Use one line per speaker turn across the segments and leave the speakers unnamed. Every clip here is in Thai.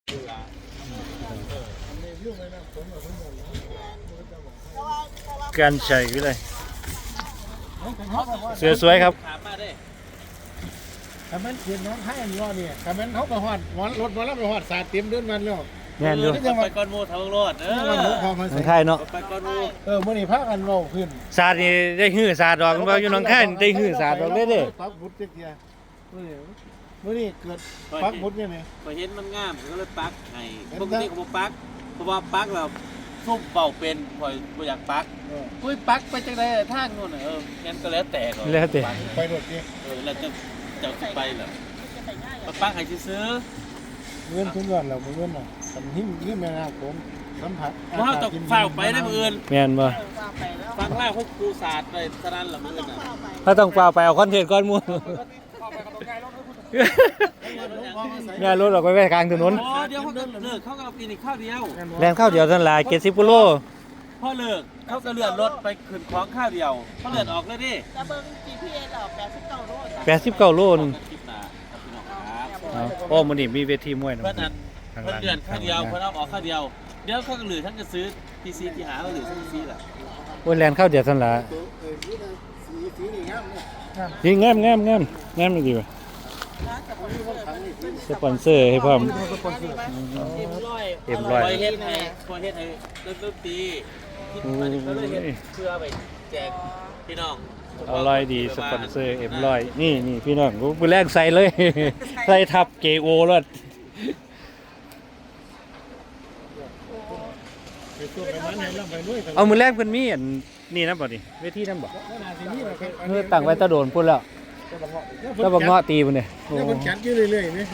การใช้วิเลยเสือสวยครับ
คำนั้นเขียนน้องให้อันนี้ว่าเนี่ยคำนั้นเขาไปหอดรถมาแล้วไปหอดสาดเต็มเดินมันแล้ว
แน่นด้วย
ไปก้อนโม่ทางรถ
น้องค่ายเนาะ
ไปก้อนโม่
มื่อนี้พากันโลขึ้น
ศาสตร์นี่ได้หื้อศาสตร์ดอกว่าอยู่น้องค่ายได้หื้อศาสตร์ดอกเด้
ปักบุตรเจียมื่อนี้เกิดปักบุตรเนี่ยไหม
พอเห็นมันงามก็เลยปักให้ปกติผมปักเพราะว่าปักเราซุ่มเป่าเป็นพออยากปักปุ้ยปักไปจังไดทางนู่นงั้นก็แล้วแต่
แล้วแต่
ไปรถนี่
แล้วจะไปเหรอปักให้ซื้อ
เงินทุกวันเราเงินเราทำหิ้มแม่นาผมสัมผัส
ว่าต้องเฝ้าไปได้เมื่อ
แม่นบ่
ฟังแรกพวกครูศาสตร์ไปสนั่นหรือมื่อน่ะ
ถ้าต้องเฝ้าไปเอาคอนเทนต์ก้อนมูงานรถออกไปกลางถนน
เดี๋ยวเขาก็เลิกเขาก็ปีนี้ข้าวเดียว
แรงข้าวเดียวท่านลาย70กิโล
พอเลิกเขาก็เลื่อนรถไปขึ้นของข้าวเดียวเขาเลื่อนออกเลยดิ
จะเบิ้ง GPS หรอ
89โลนึงโอ้มื้อนี้มีเวทีมวยนะ
เพิ่นเลื่อนข้าวเดียวเพิ่นเอาออกข้าวเดียวเดี๋ยวเขาก็เหลือท่านจะซื้อ PC ที่หาเหลือท่านซื้อล่ะ
โอ้แรงข้าวเดียวท่านละสีงามดีว่ะสปอนเซอร์ให้พร้อม
เอ็มร้อยเฮ็ดให้เริ่มตีมันก็เลยเฮ็ดเพื่อไปแจกพี่น้อง
อร่อยดีสปอนเซอร์เอ็มร้อยนี่พี่น้องมือแรกใส่เลยใส่ทับเกโอรถเอามือแรกเพิ่นมีอันนี่นะบ่ดิเวทีนั่นบ่ตั้งไว้ตะโดนพุ่นแล้วแล้วบ่เงาะตีพุ่นเนี่ย
โอ้มันจัดอยู่เรื่อยๆมั้ย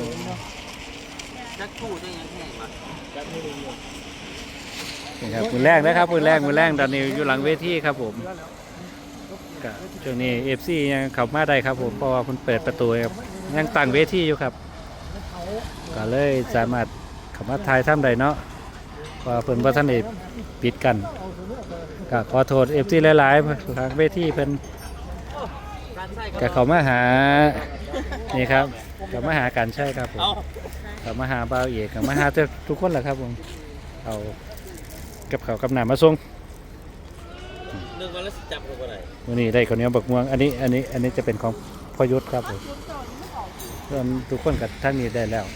จักคู่ได้ยังแห้งมาจัด
นี่ครับมือแรกนะครับมือแรกตอนนี้อยู่หลังเวทีครับผมก็ช่วงนี้ FC ยังเข้ามาได้ครับผมเพราะว่าเพิ่นเปิดประตูครับยังตั้งเวทีอยู่ครับก็เลยสามารถเข้ามาถ่ายทำได้เนาะว่าเพิ่นบ่ทันได้ปิดกันก็ขอโทษ FC หลายๆทางเวทีเพิ่นก็เข้ามาหานี่ครับเข้ามาหากันใช่ครับผมเข้ามาหาบ่าวเอกเข้ามาหาทุกคนแหละครับผมเอากับข้าวกับน้ำมาส่ง
นึกว่าแล้วจับลงบ่ได้
วันนี้ได้ข้าวเหนียวบักม่วงอันนี้จะเป็นของพ่อยุทธครับผมส่วนทุกคนกับท่านนี้ได้แล้ว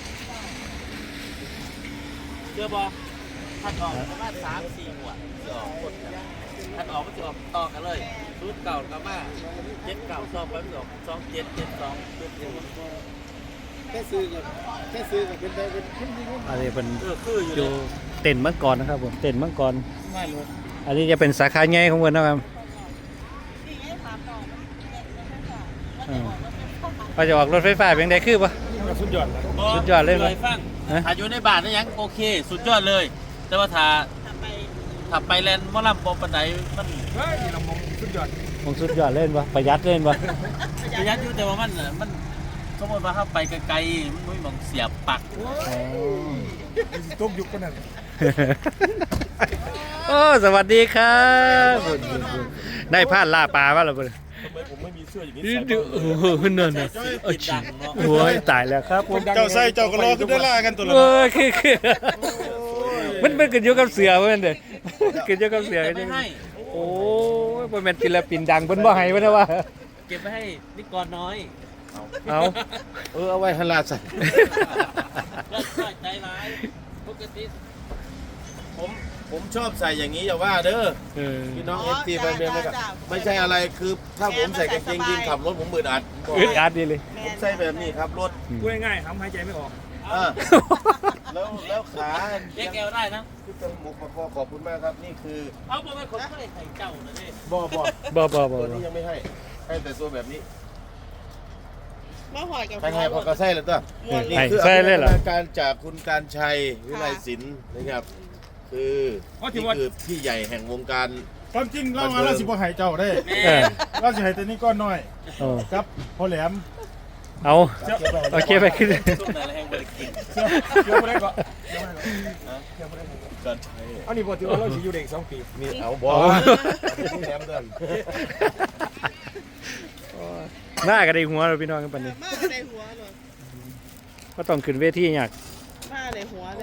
เชื่อบ่ท่านออกประมาณ 3-4 หัวจะออกคนท่านออกก็จะออกต่อกันเลยสูตรเก่ากับมา7 เก่า2ไปไม่ออก2 7 7 2
แค่ซื้อกับเป็นได้เป็น
อันนี้เป็นอยู่เต็นท์มังกรนะครับผมเต็นท์มังกรอันนี้จะเป็นสาขาใหญ่ของเพิ่นนะครับก็จะออกรถไฟฟ้าเป็นไดคือปะสุดยอดเลยมั้ย
ถ้าอยู่ในบ้านนี่ยังโอเคสุดยอดเลยแต่ว่าถ้าไปแลนด์มอลำปานใดมัน
สุดยอด
เล่นปะประหยัดเล่นปะ
ประหยัดอยู่แต่ว่ามันสมมติว่าเข้าไปไกลๆมันไม่มองเสียบปัก
ต้มยุกกันนั่น
โอ้สวัสดีครับได้พลาดล่าปลาป่ะเรา
ทำไมผมไม่มีเสื้ออย่างนี้
ใส่นั่นน่ะโอ้ยตายแล้วครับ
เจ้าใส่เจ้าก็รอขึ้นได้ล่ากันตัวละ
คือมันเกิดอยู่กับเสือเพิ่นเด้เกิดอยู่กับเสือกันจังโอ้ยบ่แม่นศิลปินดังเพิ่นบ่ให้เพิ่นว่า
เก็บไว้ให้นิกรน้อย
เอา
เอาไว้ให้ลาใส่
ใจร้ายปกติ
ผมชอบใส่อย่างนี้อย่าว่าเด้อพี่น้องFTแฟนเพลงไม่ใช่อะไรคือถ้าผมใส่กางเกงยีนขับรถผมอึดอัด
ดีเลย
ผมใส่แบบนี้ครับรถ
พูดง่ายๆทำหายใจไม่ออก
แล้วขา
เรียกแกวได้นะ
คือจมูกมาพอขอบคุณมากครับนี่คือ
เอาบ่เป็นคนให้ไข่เจ้านะนี่
บ่ตัวนี้ยังไม่ให้แต่ตัวแบบนี้
มาหอยกับ
ใครพอกระไส้เลยตัว
นี่คือ
การจากคุณการชัยวิไลศิลป์นะครับคือพี่ใหญ่แห่งวงการ
ความจริงเรามาเราสิบ่หายเจ้าได้เราสิหายแต่นี่ก้อนน้อยครับพอแหลม
เอาโอเคไปขึ้น
เกี่ยวอะไรก็
การชัย
อันนี้บอกถือว่าเราสิอยู่เด็ก2 ปี
นี่เอาบอแหลมเดิน
หน้าก็ได้หัวเราพี่น้องกันปานนี้
มาก็ได้หัวเลย
ก็ต้องขึ้นเวทีอยาก
ผ้าในหัวเลย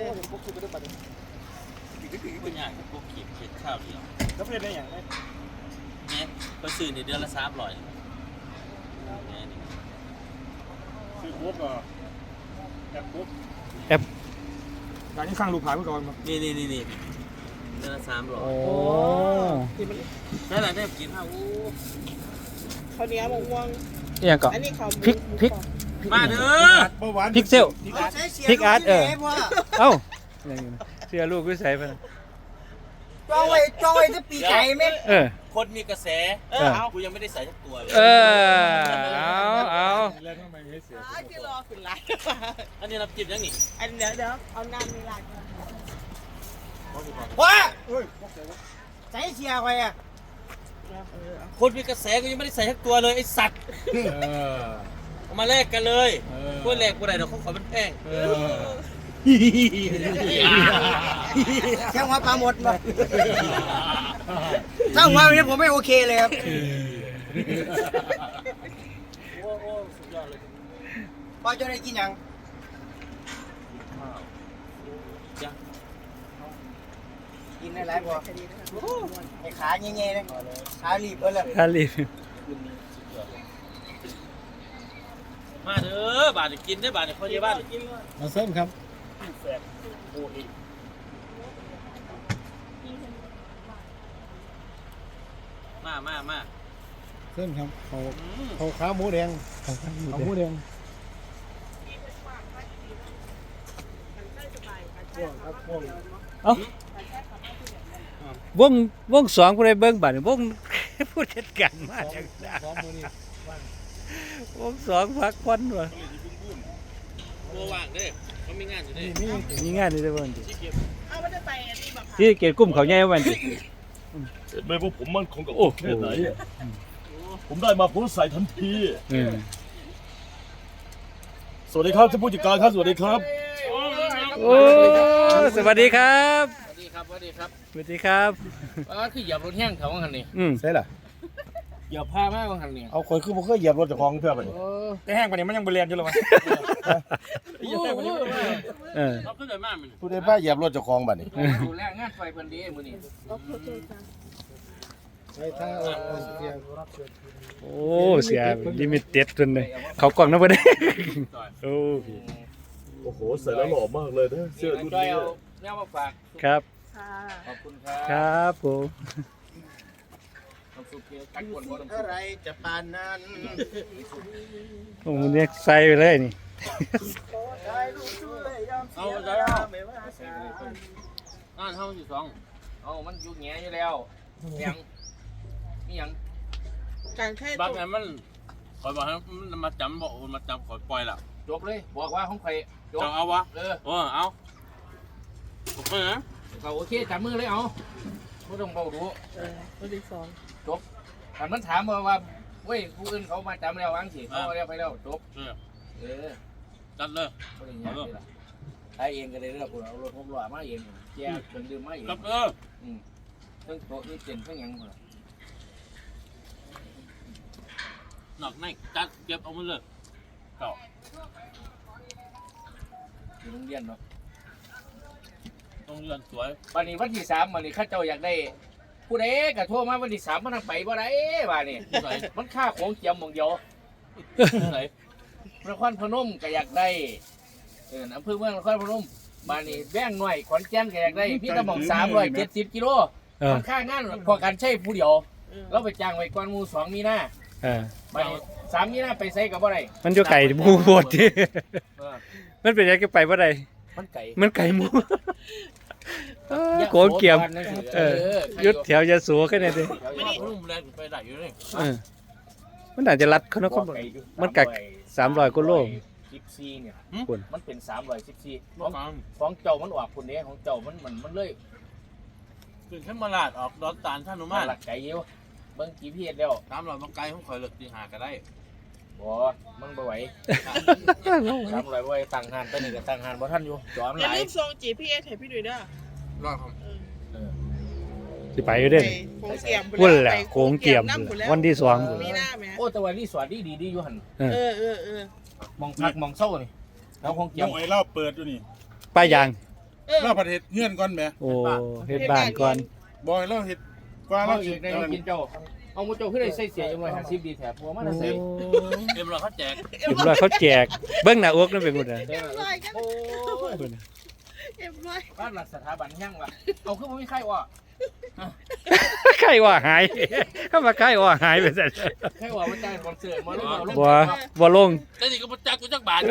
เป็นอย่างพวกขีดเช็ดข้าวเดียว
ก็เป็นได้อย่างไร
เนี่ยก็ซื้อในเดือนละ300เนี่ยนี่
ซื้อโค้กก็แอปโค้ก
แอป
การที่สร้างลูกค้าเมื่อก่อนมา
นี่เดือนละ300
โอ้
นั่นแหละได้กินข้าว
ข้าวเหนียวมะม่วง
เนี่ยก็
อันนี้ข้าว
พริก
มาเด้อ
เมื่อวาน
พิกเซล พริกอาร์ตเอ้าเสื้อลูกวิสัยไป
จองไว้จะปีไก่ไหม
คนมีกระแส
เอา
กูยังไม่ได้ใส่ทั้งตัวเลย
เอา
แล้วทำไมให้เสีย
ที่รอขึ้นไลน์
อันนี้น้ำจิ้มยังนี่
อันเดี๋ยวเอาน้ำในไลน์
ว้า
เฮ้ย
ใส่เชียร์ไว้อะ
คนมีกระแสกูยังไม่ได้ใส่ทั้งตัวเลยไอ้สัตว์เอามาแลกกันเลยกูแลกกูได้เดี๋ยวเขาขอเป็นแพง
แค่หัวปลาหมดมาถ้าหัวแบบนี้ผมไม่โอเคเลยครับ
โอ้สุดยอดเลย
พอจะได้กินยัง
จ้ะ
กินได้หลายพอไอ้ขาเงี้ยๆเลยขาลีบเลย
คาลี
มาเด้อบาทกินได้บาทเขาเยอะบ้าน
มาเสริมครับ
มา
เสริมครับเขาขาหมูแดงเขาหมูแดง
วงสองผู้ใดเบิ่งบัดนี้วง ผู้จัดการมาจากไหนวงสองพักควันว่ะ
ตัวว่างเด้เขามีงานอยู่เด้
มีงานนี่ได้บ่ดิ
เอาไม่ได้ไปอันนี้บอกค่ะ
ที่เกตกลุ่มเขาใหญ่วันดิ
เห็นไหมว่าผมมั่นคงกับโอ้แค่ไหนอะผมได้มาผมใส่ทันที สวัสดีครับท่านผู้จัดการครับสวัสดีครับ
โอ้สวัสดีครับ
สวัสดีครับ
สวัสดีครับ
คือเหยียบรถแห้งเขาว่าหันนี่
ใช่ล่ะ
เหยียบผ้ามากว่าหันนี่
เอาคนคือบ่เคยเหยียบรถเจ้าของเพื่อไปแต่แห้งปานนี้มันยังบ่เรียนอยู่หรอวะ
เขาขึ้นเลยมากมัน
ผู้ใดบ้าเหยียบรถเจ้าของบัดนี้
ดูแลงานไฟเพิ่นดีมื้อนี้
ใช่ถ้าเสียง
โอ้เสียลิมิเต็ดจนเลยเขากล่องนะบ่ได้โอ้
โอ้โหใส่แล้วหล่อมากเลยนะเสื้อรุ่น
จอย
นี้
เอาแนวมาฝาก
ครับ
ค่ะ
ขอบคุณครับ
ครับผม
น้ำซุปเกี๊ยวกัดกวนบ่น้ำซุ
อะ
ป
ไรจะปานนั้น
โอ้เนี่ยใส่ไปเลยนี่
เอาใจเอานั่นเฮาอยู่2เอามันอยู่แงอยู่แล้วยังมีหยัง
การแค่
บางอันมันคอยบอกให้มันมาจำบอกมาจำขอยปล่อยละจบเลยบอกว่าของใครจบเอาวะเอาโอเคนะเขาโอเคจับมือเลยเอาไม่ต้องเบาดู
ตัวที่สอง
ถ้ามันถามว่าเว้ยผู้อื่นเขามาจำแล้ววางสิเขาแล้วไปแล้วจบจัดเลยไอเองก็เลยเลือกเอารถ6ล้อมาเองแย่เครื่องดื่มมาเองเครื่องโต๊ะนี่เต็มเครื่องยังหมดหนักแน่จัดเก็บเอามาเลยเก่าอยู่โรงเรียนเนาะโรงเรียนสวยวันนี้วันที่3วันนี้ข้าเจ้าอยากได้ผู้ใดก็โทรมาวันที่3มันทางไปบ่ได้บ้านี่มันค่าของเจียมหม่องเดียวไหนนครพนมก็อยากได้อำเภอเมืองนครพนมบ้านนี้แว้งหน่อยขอนแก่นก็อยากได้พี่ตะหม่อง370กิโลมันค่างานพอกันใช้ผู้เดียวเราไปจ้างไว้ก่อนหมู่2มีนาบ้านนี้3มีนาไปใส่ก็บ่ได้
มันอยู่ไก่หมูบดที่มันเป็นยังไงไปบ่ได้
มันไก่
มันไก่หมูโกงเกี่ยมยุดแถวยาสูกันเนี่ยดิ
รุ่มแรงไปได้อยู่เลย
มันอาจจะรัดเขานะมันกัก300กว่าโล
14เนี่ย
คุณ
มันเป็น314ของเจ้ามันออกคุณเด้ของเจ้ามันเลยขึ้นขึ้นมาลาดออกดอนตาลท่านุมานหลักไก่เยอะเบิ่งกี่พีเอสแล้ว300บังไก่ของข่อยเลิกตีหาก็ได้บ่มันบ่ไหว300บ่ไหวตั้งหานตอนนี้ก็ตั้งหานบ่ทันอยู่จอม
อ
ห
ย่า
ลาย
ลืมส่ง GPS ให้พี่ด้วยเด้อ
รอดครับ
สิไปอยู่เด้
โค้งเกี่ยม
พุ่นแหละโกงเกี่ยมวันที่2
มีหน้าไหม
โอ้แต่ว่ารีสอร์ทดีอยู่หั่น
เออ
มองพักมองเศร้านี่แล้วคงเกี่
ยั
ยว
งไอ้เล่าเปิดอยู่นี่
ป้ายาง
เราประเทศเงื่อนก่อนแหม
โอ้เฮ็ดบ้านก่อน
บอยเราเฮ็ดกว่า
เอา
เรา
อีกในกินเจ้าเอาหมูเจ้าขึ้นได้ใส่เสียจังเลย50ดีแถบผัวมันน่ะใส่
เรียบร้อยเขาแจก
เรียบร้อยเขาแจกเบิ้งหน้าอกนั่นเป็นคนน่ะ
เอ็มร้อยกัน
โอ้ย
เอ็มร้อย
บ้านหลักสถาบันยังวะเอาขึ้นมาไม่ใครวะ
ไข้ว่าหายเข้ามาไข้ว่าหายไปซะ
ใครวะมันจ่ายคอนเสิร์ตมาแล้วเอาลง
บ่ลง
แต่นี่ก็มาจักกูจักบาท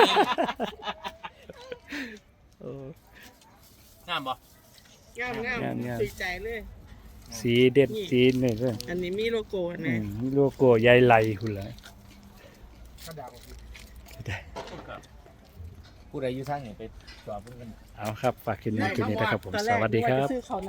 งามบ่
งามงาม
งาม
ดีใจเลย
สีเด็ดสีนี่เด้อ
อันนี้มีโลโก้
อื
นะ
มโลโก้ใหญ่ไหลพุ่นล่ะ
ผู้ใดอยู่ทางไหนไปจอดเพิ่นกัน
เอาครับฝากคลิปนี้นะครับผมสวัสดีครับ
ซื้อเขา